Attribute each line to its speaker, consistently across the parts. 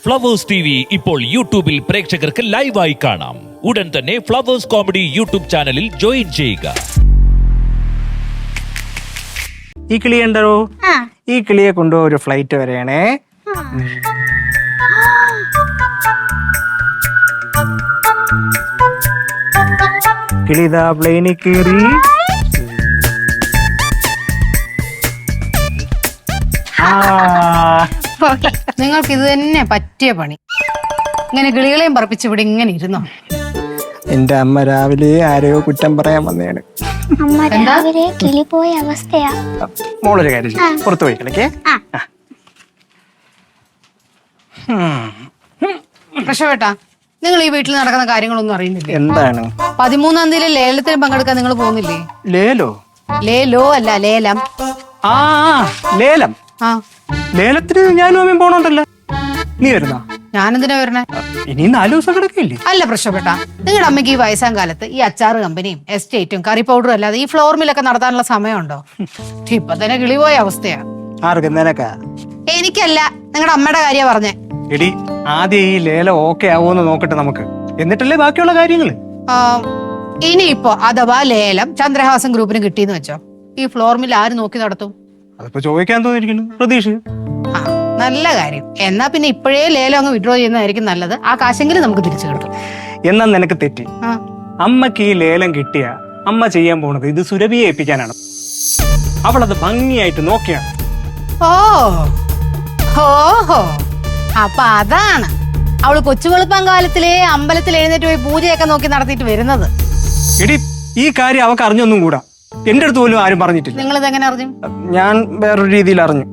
Speaker 1: Flowers TV ഇപ്പോൾ യൂട്യൂബിൽ പ്രേക്ഷകർക്ക് ലൈവായി കാണാം. ഉടൻ തന്നെ ഫ്ലവേഴ്സ് കോമഡി യൂട്യൂബ് ചാനലിൽ ജോയിൻ ചെയ്യുക.
Speaker 2: ഈ കിളി ഉണ്ടോ? ഈ കിളിയെ കൊണ്ടുപോയി ഒരു ഫ്ലൈറ്റ് വരെയാണേ. കിളിതാ പ്ലെയിനിൽ കയറി.
Speaker 3: നിങ്ങൾക്ക് ഇത് തന്നെ പറ്റിയ പണി. ഇങ്ങനെ കിളികളെയും പറപ്പിച്ച് ഇവിടെ ഇങ്ങനെ ഇരുന്നോ?
Speaker 2: എന്റെ അമ്മ രാവിലെ ആരെയോ കുറ്റം പറയാൻ വന്നതാണ്.
Speaker 4: കിളി പോയ അവസ്ഥയാ.
Speaker 2: മോളൊരു കാര്യം ചെയ്യ്. പുറത്തു പോയി കളിക്കേ.
Speaker 3: പ്രശ്നപ്പെട്ടാ നിങ്ങൾ ഈ വീട്ടിൽ നടക്കുന്ന കാര്യങ്ങളൊന്നും അറിയുന്നില്ലേ?
Speaker 2: എന്താണ്?
Speaker 3: 13-ാം തീയതി ലേലത്തിന് പങ്കെടുക്കാൻ നിങ്ങൾ പോകുന്നില്ലേ?
Speaker 2: ലേലോ?
Speaker 3: ലേലോ അല്ല, ലേലം.
Speaker 2: ആ ലേലം.
Speaker 3: ആ
Speaker 2: ലേലത്തിന് ഞാനും അമ്മയും പോണോണ്ടല്ലോ. നീ വരുന്ന?
Speaker 3: ഞാനെന്തിനാ വരണേ?
Speaker 2: ഇനി 4 ദിവസം കിടക്കില്ലേ?
Speaker 3: അല്ല പ്രശ്നപ്പെട്ടാ, നിങ്ങളുടെ അമ്മയ്ക്ക് ഈ വയസ്സാം കാലത്ത് ഈ അച്ചാറ് കമ്പനിയും എസ്റ്റേറ്റും കറി പൗഡറും അല്ലാതെ ഈ ഫ്ലോർ മില്ലൊക്കെ നടത്താനുള്ള സമയമുണ്ടോ? ഇപ്പൊ തന്നെ കിളി പോയ അവസ്ഥയാ.
Speaker 2: ആർക്ക്? നിനക്കാ?
Speaker 3: എനിക്കല്ല, നിങ്ങളുടെ അമ്മയുടെ കാര്യ പറഞ്ഞേ.
Speaker 2: എടി, ആദ്യം ഈ ലേലം ഓക്കെ ആവോന്ന് നോക്കട്ടെ നമുക്ക്, എന്നിട്ടല്ലേ ബാക്കിയുള്ള കാര്യങ്ങള്.
Speaker 3: ഇനിയിപ്പോ അഥവാ ലേലം ചന്ദ്രഹാസൻ ഗ്രൂപ്പിന് കിട്ടിയെന്ന് വെച്ചോ, ഈ ഫ്ലോർ മിൽ ആര് നോക്കി നടത്തും?
Speaker 2: അതിപ്പോ ചോദിക്കാൻ തോന്നിയിരിക്കുന്നു പ്രതീക്ഷ.
Speaker 3: ആ നല്ല കാര്യം. എന്നാ പിന്നെ ഇപ്പോഴേ ലേലം അങ്ങ് വിഡ്രോ ചെയ്യുന്നതായിരിക്കും നല്ലത്. ആ കാശെങ്കിലും നമുക്ക് തിരിച്ചു കിട്ടും.
Speaker 2: എന്നാ നിനക്ക് തെറ്റി. അമ്മക്ക് ഈ ലേലം കിട്ടിയ അമ്മ ചെയ്യാൻ പോണത് ഇത് സുരഭിയെ ഏൽപ്പിക്കാനാണ്. അവളത് ഭംഗിയായിട്ട് നോക്കിയാണ്.
Speaker 3: ഓഹോ, അപ്പൊ അതാണ് അവള് കൊച്ചു വെളുപ്പം കാലത്തിലെ അമ്പലത്തിൽ എഴുന്നേറ്റ് പോയി പൂജയൊക്കെ നോക്കി നടത്തിയിട്ട് വരുന്നത്.
Speaker 2: എടി, ഈ കാര്യം അവക്ക് അറിഞ്ഞൊന്നും കൂടാ. എന്റെ അടുത്ത് പോലും ആരും പറഞ്ഞിട്ടില്ല.
Speaker 3: നിങ്ങൾ ഇതെങ്ങനെ അറിഞ്ഞു?
Speaker 2: ഞാൻ വേറൊരു രീതിയിൽ അറിഞ്ഞു.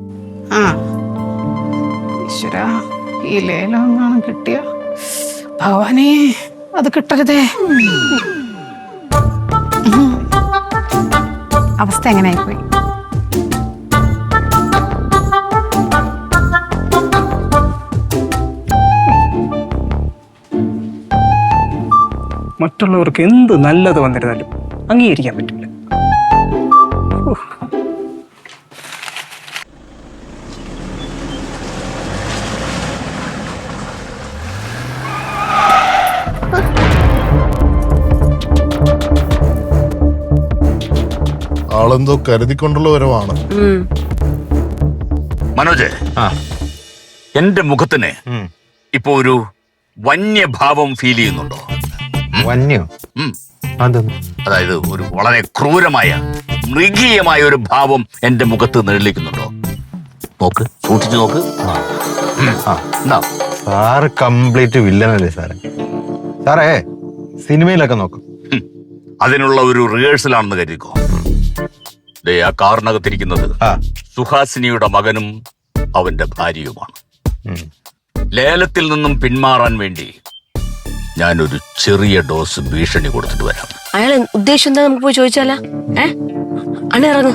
Speaker 3: ഈശ്വരാ, ഈ ലേലം എങ്ങാനും കിട്ടിയ ഭവാനേ, അത് കിട്ടരുതേ. അവസ്ഥ എങ്ങനെയായിപ്പോയി?
Speaker 2: മറ്റുള്ളവർക്ക് എന്ത് നല്ലത് വന്നിരുന്നാലും അംഗീകരിക്കാൻ പറ്റില്ല.
Speaker 5: ആളെന്തോ കരുതിക്കൊണ്ടുള്ള വരവാണ്.
Speaker 6: മനോജ്, എന്റെ മുഖത്തിന് ഇപ്പൊ ഒരു വന്യഭാവം ഫീൽ ചെയ്യുന്നുണ്ടോ?
Speaker 7: വന്യോ?
Speaker 6: അതായത് ഒരു വളരെ ക്രൂരമായ മൃഗീയമായ ഒരു ഭാവം എന്റെ മുഖത്ത് നിഴലിക്കുന്നുണ്ടോ? നോക്ക്, സൂക്ഷിച്ചു നോക്ക്.
Speaker 7: സാറ് കംപ്ലീറ്റ് വില്ലനല്ലേ സാറേ? സാറേ സിനിമയിലൊക്കെ നോക്കും.
Speaker 6: അതിനുള്ള ഒരു റിഹേഴ്സലാണെന്ന് കരുതിക്കോ. ആ കാറിനകത്തിരിക്കുന്നത് സുഹാസിനിയുടെ മകനും അവന്റെ ഭാര്യയുമാണ്. ലേലത്തിൽ നിന്നും പിന്മാറാൻ വേണ്ടി ഞാനൊരു ചെറിയ ഡോസ് ഭീഷണി കൊടുത്തിട്ട് വരാം.
Speaker 8: അയാൾ ഉദ്ദേശം എന്താ? നമുക്ക് പോയി ചോദിച്ചാലോ? അണിറങ്ങ.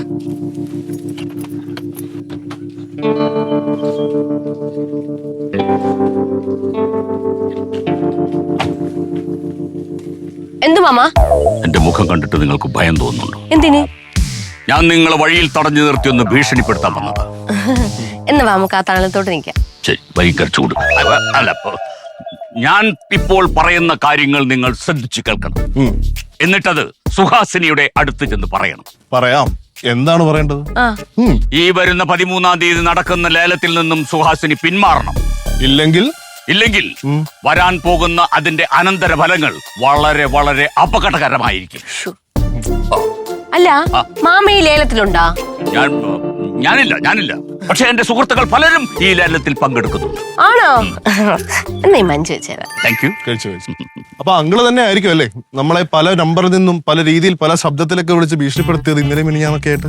Speaker 8: എന്ത് മാമ?
Speaker 6: എന്റെ മുഖം കണ്ടിട്ട് നിങ്ങൾക്ക് ഭയം തോന്നുന്നുണ്ടോ?
Speaker 8: എന്തിന്?
Speaker 6: ഞാൻ നിങ്ങളെ വഴിയിൽ തടഞ്ഞു നിർത്തി ഒന്ന് ഭീഷണിപ്പെടുത്താൻ വന്നതാ.
Speaker 8: എന്ന് നമുക്ക് ആ തണലത്തോട്ട് നിൽക്കാം.
Speaker 6: ശരി, വരിക്കർ ചൂട്. അല്ല, ഞാൻ ഇപ്പോൾ പറയുന്ന കാര്യങ്ങൾ നിങ്ങൾ ശ്രദ്ധിച്ചു കേൾക്കണം. എന്നിട്ടത് സുഹാസിനിയുടെ അടുത്ത് ചെന്ന് പറയണം.
Speaker 5: പറയാം. എന്താണ് പറയേണ്ടത്?
Speaker 6: ഈ വരുന്ന 13-ാം തീയതി നടക്കുന്ന ലേലത്തിൽ നിന്നും സുഹാസിനി പിന്മാറണം. ഇല്ലെങ്കിൽ വരാൻ പോകുന്ന അതിന്റെ അനന്തര ഫലങ്ങൾ വളരെ വളരെ അപകടകരമായിരിക്കും.
Speaker 8: അല്ല, മാമ ഈ ലേലത്തിലുണ്ടാ?
Speaker 6: ഞാനില്ല. പക്ഷെ എന്റെ സുഹൃത്തുക്കൾ പലരും ഈ ലേലത്തിൽ പങ്കെടുക്കുന്നുണ്ട്.
Speaker 8: ആണോ? എന്നാ മഞ്ജു വെച്ചേരാ.
Speaker 6: Thank you.
Speaker 5: അപ്പൊ അങ്കിള് തന്നെ ആയിരിക്കും അല്ലേ നമ്മളെ പല നമ്പറിൽ നിന്നും പല രീതിയിൽ പല ശബ്ദത്തിലൊക്കെ വിളിച്ച് ഭീഷണിപ്പെടുത്തിയത് ഇന്നലെ മിനിഞ്ഞാന്നൊക്കെ ആയിട്ട്?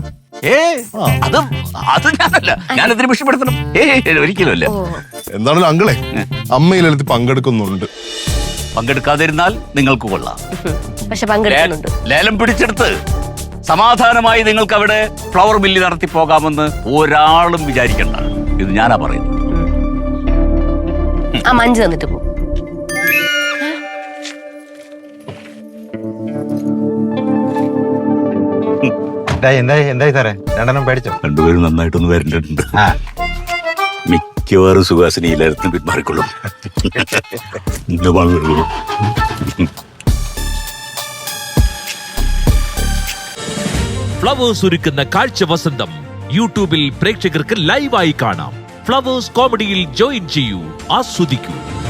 Speaker 6: അത് ഞാനല്ല. ഞാനെതിരെ ഭീഷണിപ്പെടുത്തണം? ഒരിക്കലും അല്ല.
Speaker 5: എന്താണല്ലോ അങ്കിളെ, അമ്മ ഈ ലേലത്തിൽ പങ്കെടുക്കുന്നുണ്ട്.
Speaker 6: പങ്കെടുക്കാതിരുന്നാൽ നിങ്ങൾക്ക് കൊള്ളാം.
Speaker 8: പക്ഷെ പങ്കെടുക്കുന്നുണ്ട്.
Speaker 6: ലേലം പിടിച്ചെടുത്ത് സമാധാനമായി നിങ്ങൾക്ക് അവിടെ ഫ്ലവർ മില്ല് നടത്തി പോകാമെന്ന് ഒരാളും വിചാരിക്കണ്ട. ഇത് ഞാനാ പറയുന്നത്.
Speaker 8: ആ മഞ്ജു തന്നിട്ട് പോ.
Speaker 7: എന്തായി സാറേ? രണ്ടെണ്ണം പേടിച്ചോ?
Speaker 6: രണ്ടുപേരും നന്നായിട്ടൊന്ന് വരണ്ടിട്ടുണ്ട്. മിക്ക മിക്കവാറും സുഹാസിനി ഈ ലേലത്തിന് പിന്മാറിക്കൊള്ളും. ഇന്ന് വാങ്ങുള്ളൂ.
Speaker 1: ഫ്ലവേഴ്സ് ഒരുക്കുന്ന കാഴ്ച വസന്തം യൂട്യൂബിൽ പ്രേക്ഷകർക്ക് ലൈവായി കാണാം. ഫ്ലവേഴ്സ് കോമഡിയിൽ ജോയിൻ ചെയ്യൂ, ആസ്വദിക്കൂ.